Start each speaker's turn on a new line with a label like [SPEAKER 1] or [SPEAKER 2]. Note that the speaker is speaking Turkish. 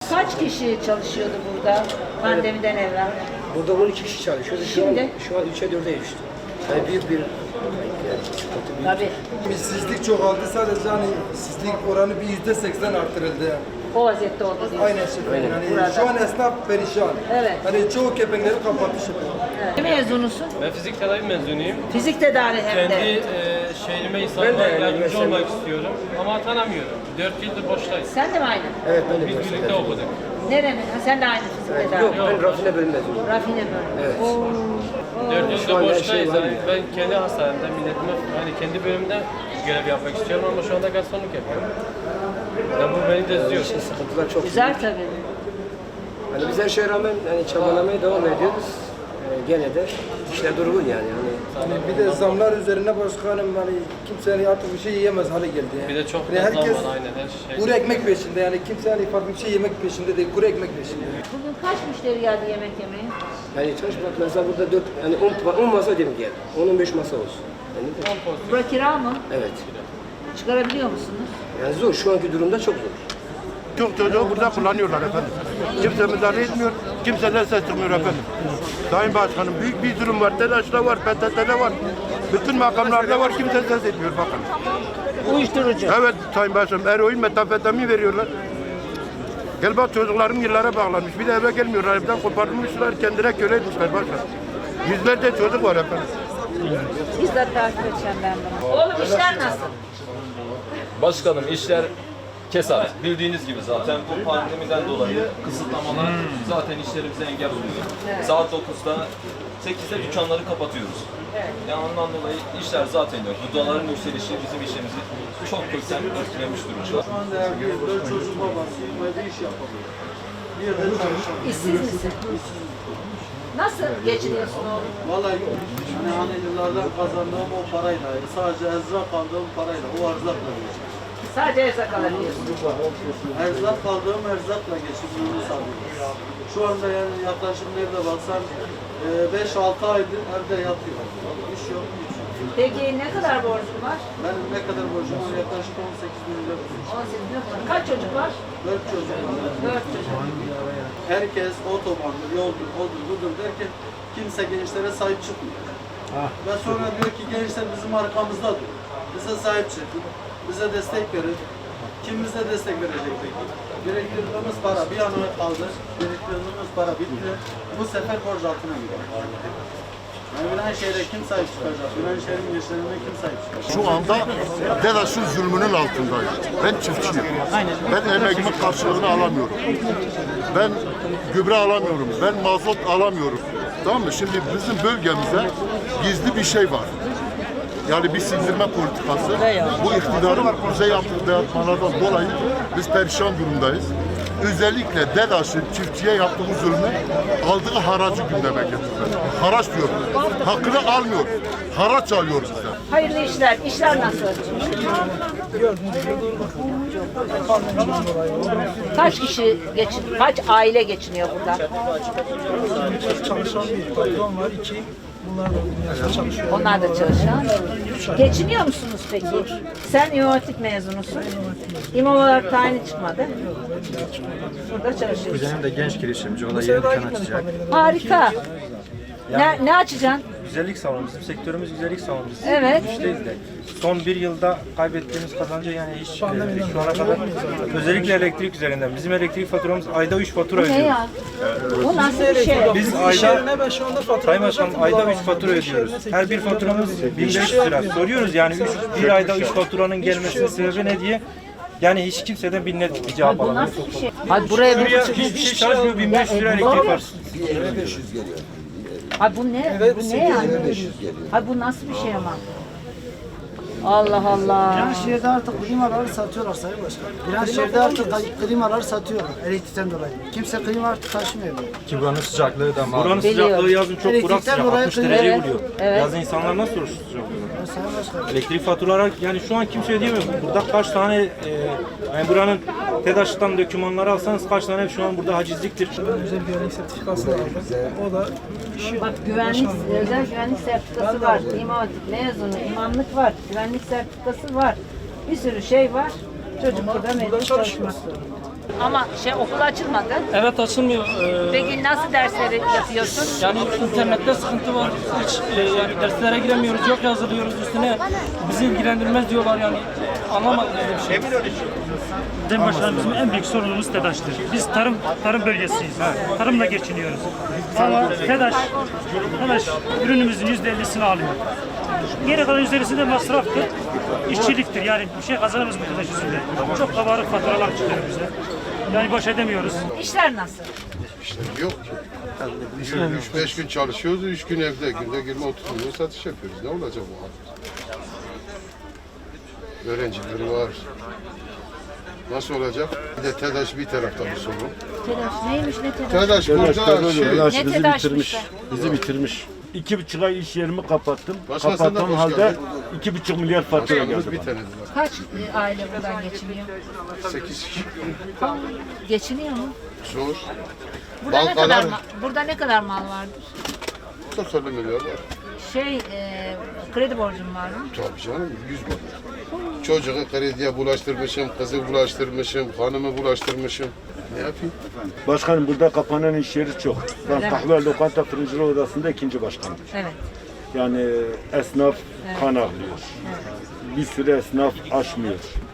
[SPEAKER 1] Kaç kişi çalışıyordu burada pandemiden evvel?
[SPEAKER 2] Burada 12 kişi çalışıyordu.
[SPEAKER 1] Şimdi?
[SPEAKER 2] Şu an 3'e 4'e düştü. Yani büyük bir sıkıntı.
[SPEAKER 1] Tabii.
[SPEAKER 3] İşsizlik çoğaldı, sadece hani işsizlik oranı bir %80 artırıldı yani.
[SPEAKER 1] O vaziyette oldu diyorsun.
[SPEAKER 3] Aynen şefim. Yani şu an esnaf perişan.
[SPEAKER 1] Evet.
[SPEAKER 3] Hani çoğu kepenkleri kapattı şefim.
[SPEAKER 1] Ne mezunusun?
[SPEAKER 4] Ben fizik tedavi mezunuyum.
[SPEAKER 1] Fizik tedavi hem
[SPEAKER 4] Kendi
[SPEAKER 1] de.
[SPEAKER 4] şehrime
[SPEAKER 2] Ben
[SPEAKER 4] insanlara
[SPEAKER 2] de
[SPEAKER 4] yardımcı
[SPEAKER 2] mesela-
[SPEAKER 4] olmak istiyorum ama atanamıyorum. 4 yıldır boştayız.
[SPEAKER 1] Sen de mi aynı?
[SPEAKER 2] Evet ben de
[SPEAKER 4] Biz
[SPEAKER 2] üniversitede.
[SPEAKER 4] birlikte okuduk.
[SPEAKER 1] Neremin? Ha, sen de aynı fizik tedavi.
[SPEAKER 2] Yok ben rafine bölüm mezunuyum.
[SPEAKER 1] Rafine bölümü.
[SPEAKER 2] Evet.
[SPEAKER 4] 4
[SPEAKER 2] Şu
[SPEAKER 4] yıldır
[SPEAKER 2] an her şey
[SPEAKER 4] boştayız.
[SPEAKER 2] var
[SPEAKER 4] Yani
[SPEAKER 2] ya.
[SPEAKER 4] ben kendi hastanemde, milletime, hani kendi bölümümde görev yapmak istiyorum ama şu anda garsonluk yapıyorum. Yani bu beni de üzüyor.
[SPEAKER 2] İşte sıkıntılar çok
[SPEAKER 1] Güzel
[SPEAKER 2] büyük.
[SPEAKER 1] tabii.
[SPEAKER 2] Hani biz her şeye rağmen hani çabalamaya devam ediyoruz. Gene de işler durgun yani.
[SPEAKER 3] Hani bir de zamlar üzerine başkanım hani kimse hani artık bir şey yiyemez hale geldi yani.
[SPEAKER 4] Bir de çok
[SPEAKER 3] Yani
[SPEAKER 4] fazla
[SPEAKER 3] herkes
[SPEAKER 4] var aynen her şey.
[SPEAKER 3] kuru ekmek peşinde yani kimse hani farklı bir şey yemek peşinde değil, kuru ekmek peşinde.
[SPEAKER 1] Bugün kaç müşteri geldi yemek yemeye?
[SPEAKER 2] Yani çalışmak mesela burada 4 yani 10 masa demek yani. 10-15 masa olsun. Yani de-
[SPEAKER 1] Bura kira mı?
[SPEAKER 2] evet.
[SPEAKER 1] Çıkarabiliyor musunuz?
[SPEAKER 2] Yani zor. Şu anki durumda çok zor.
[SPEAKER 5] Çok çocuğu burada kullanıyorlar efendim. Kimse müdahale etmiyor, kimseden ses çıkmıyor efendim. Sayın Başkanım büyük bir durum var, telaşla var, PTT'de var. Bütün makamlarda var, kimse ses etmiyor bakın.
[SPEAKER 1] Uyuşturucu.
[SPEAKER 5] Evet Sayın Başkanım, eroin, metamfetamin veriyorlar. Gel bak çocukların yıllara bağlanmış, bir de eve gelmiyorlar, evden kopartmışlar, kendine köle etmişler başkanım. Yüzlerce çocuk var efendim.
[SPEAKER 1] Bizzat takip edeceğim ben bunu. Oğlum işler nasıl?
[SPEAKER 6] Başkanım işler kesat. Bildiğiniz gibi zaten bu pandemiden dolayı kısıtlamalar zaten işlerimize engel oluyor. Saat 9'da 8'de dükkanları kapatıyoruz. Yani ondan dolayı işler zaten yok. Gıdaların yükselişi bizim işimizi çok kökten etkilemiş durumda.
[SPEAKER 7] Şu anda evliyiz, 4 çocuk babasıyım, evde iş yapamıyorum. Bir yerde çalışamıyorum.
[SPEAKER 1] İşsiz misin? Nasıl geçiniyorsun oğlum?
[SPEAKER 7] Vallahi hani yıllardan kazandığım o parayla, sadece erzak aldığım parayla, o erzakla geçiyorum.
[SPEAKER 1] Sadece erzak alabiliyorsun.
[SPEAKER 7] Erzak aldığım erzakla geçimimi sağlıyorum. Şu anda yani yaklaşık nerede baksan 5-6 aydır evde yatıyorum. İş yok, güç yok.
[SPEAKER 1] Peki ne kadar borcun var?
[SPEAKER 7] Benim ne kadar borcum var? Yaklaşık 18 bin lira.
[SPEAKER 1] 18 bin lira. Kaç çocuk var?
[SPEAKER 7] 4 çocuk var.
[SPEAKER 1] 4 çocuk.
[SPEAKER 7] Herkes otobandır, yoldur, odur, budur derken kimse gençlere sahip çıkmıyor. Ve sonra diyor ki gençler bizim arkamızda dur. Bize sahip çıkın, bize destek verin. Kim bize destek verecek peki? Biriktirdiğimiz para bir an önce kaldı. Biriktirdiğimiz para bitti. Bu sefer borç altına gidiyor. Yani Viranşehir'e kim sahip çıkacak? Viranşehir'in gençlerine kim sahip çıkacak?
[SPEAKER 5] Şu anda DEDAŞ'ın zulmünün altındayım. Ben çiftçiyim. Ben emeğimin karşılığını alamıyorum. Ben gübre alamıyorum. Ben mazot alamıyorum. Tamam mı? Şimdi bizim bölgemizde gizli bir şey var. Yani bir sindirme politikası. Bu iktidarın bize yaptığı dayatmalardan dolayı biz perişan durumdayız. Özellikle DEDAŞ'ın çiftçiye yaptığı zulmü aldığı haracı gündeme getirdi. Haraç diyor. Hakkını almıyor. Haraç alıyor bizden.
[SPEAKER 1] Hayırlı işler. İşler nasıl? Kaç kişi kaç aile geçiniyor burada?
[SPEAKER 8] Çalışan bir patron var, 2. Bunlar da dünyada çalışıyor.
[SPEAKER 1] Onlar da çalışan. Geçiniyor musunuz peki? Sen İmam Hatip mezunusun. İmam olarak tayini çıkmadı. Burada çalışıyorsun.
[SPEAKER 9] Kuzenim de genç girişimci, o da yeni dükkan açacak.
[SPEAKER 1] Harika. Ne açacaksın?
[SPEAKER 9] Güzellik salonu, bizim sektörümüz güzellik salonu. Biz
[SPEAKER 1] Evet.
[SPEAKER 9] müşteriyiz de. Son bir yılda kaybettiğimiz kazancı yani hiç şu ana kadar özellikle elektrik üzerinden. Bizim elektrik faturamız ayda 3 fatura
[SPEAKER 1] Ne
[SPEAKER 9] ödüyoruz.
[SPEAKER 1] ya? Bu nasıl bir şey?
[SPEAKER 9] Biz
[SPEAKER 8] İş
[SPEAKER 9] ayda
[SPEAKER 8] yerine ben şu anda fatura
[SPEAKER 9] Sayın Başkanım ayda 3 fatura ödüyoruz. Her bir faturamız 1500 lira. Soruyoruz yani bir ayda 3 faturanın gelmesinin sebebi ne diye. Yani hiç kimseden bir net bir cevap
[SPEAKER 1] Bu
[SPEAKER 9] alamıyoruz.
[SPEAKER 1] nasıl bir şey? Hadi buraya
[SPEAKER 9] Buraya hiçbir şey çalışmıyor, 1500 lira elektrik var.
[SPEAKER 1] Ay bu ne? Bu ne yani? Ay bu nasıl bir şey ama? Allah Allah.
[SPEAKER 8] Viranşehir'de artık klimaları satıyorlar Sayın Başkan. Viranşehir'de artık klimaları satıyorlar elektrikten dolayı. Kimse klima artık taşımıyor.
[SPEAKER 9] Ki buranın sıcaklığı da malum. Buranın
[SPEAKER 1] Biliyorum.
[SPEAKER 9] sıcaklığı yazın çok kurak
[SPEAKER 8] Elektrikten
[SPEAKER 9] sıcak,
[SPEAKER 8] dolayı
[SPEAKER 9] 60 dereceyi
[SPEAKER 1] Evet,
[SPEAKER 9] buluyor.
[SPEAKER 1] evet.
[SPEAKER 9] Yazın insanlar nasıl oruç tutacak bunu?
[SPEAKER 8] Sayın Başkan.
[SPEAKER 9] Elektrik faturaları yani şu an kimse ödeyemiyor. Burada kaç tane yani buranın TEDAŞ'tan dokümanları alsanız kaç tane şu an burada hacizliktir.
[SPEAKER 8] Özel güvenlik sertifikası aldım. O da işi.
[SPEAKER 1] Bak özel güvenlik sertifikası var. İmam Hatip mezunu, imamlık var, güvenlik sertifikası var. Bir sürü şey var. Çocuk burada mecbur çalışmak zorunda. Ama okul açılmadı.
[SPEAKER 10] Evet açılmıyor.
[SPEAKER 1] Peki nasıl dersleri yapıyorsun?
[SPEAKER 10] Yani internette sıkıntı var. Hiç yani derslere giremiyoruz. Yok yazılıyoruz üstüne. Bizi ilgilendirmez diyorlar yani. Anlamadım böyle bir şey.
[SPEAKER 11] Sayın Başkanım bizim en büyük sorunumuz TEDAŞ'tır. Biz tarım bölgesiyiz. Tarımla geçiniyoruz. Ama TEDAŞ ürünümüzün %50'sini alıyor. Geri kalan %50'si de masraftır, işçiliktir. Yani bir şey kazanırız bu TEDAŞ yüzünden. Çok kabarık faturalar çıkıyor bize. Yani baş edemiyoruz.
[SPEAKER 1] İşler nasıl?
[SPEAKER 5] İşte yok ki. 3-5 gün çalışıyoruz, 3 gün evde. Günde 20-30 milyon satış yapıyoruz. Ne olacak bu halde? Öğrenciler var. Nasıl olacak? Bir de TEDAŞ bir tarafta bir sorun.
[SPEAKER 1] Telaş neymiş ne telaş?
[SPEAKER 5] TEDAŞ burada
[SPEAKER 1] Ne telaşmış?
[SPEAKER 12] Bizi bitirmiş. 2,5 ay iş yerimi kapattım.
[SPEAKER 5] Başkasından
[SPEAKER 12] Kapattığım
[SPEAKER 5] hoş
[SPEAKER 12] halde
[SPEAKER 5] geldin.
[SPEAKER 12] 2,5 milyar fatura geldi
[SPEAKER 5] bir
[SPEAKER 12] bana.
[SPEAKER 5] tane var.
[SPEAKER 1] Kaç aile buradan geçiniyor?
[SPEAKER 5] 8 kişi.
[SPEAKER 1] Geçiniyor mu?
[SPEAKER 5] Zor.
[SPEAKER 1] Burada ne
[SPEAKER 5] Bankalar-
[SPEAKER 1] kadar burada ne kadar mal vardır?
[SPEAKER 5] 90 milyar var.
[SPEAKER 1] Kredi borcum var mı?
[SPEAKER 5] Tabii canım 100 milyar. Çocuğu krediye bulaştırmışım, kızı bulaştırmışım, hanımı bulaştırmışım. Ne yapayım?
[SPEAKER 12] Başkanım burada kapanan iş yeri çok. Ben kahve lokanta fırıncılığı odasında 2. başkanım.
[SPEAKER 1] Evet.
[SPEAKER 12] Yani esnaf kan ağlıyor. Bir sürü esnaf açmıyor.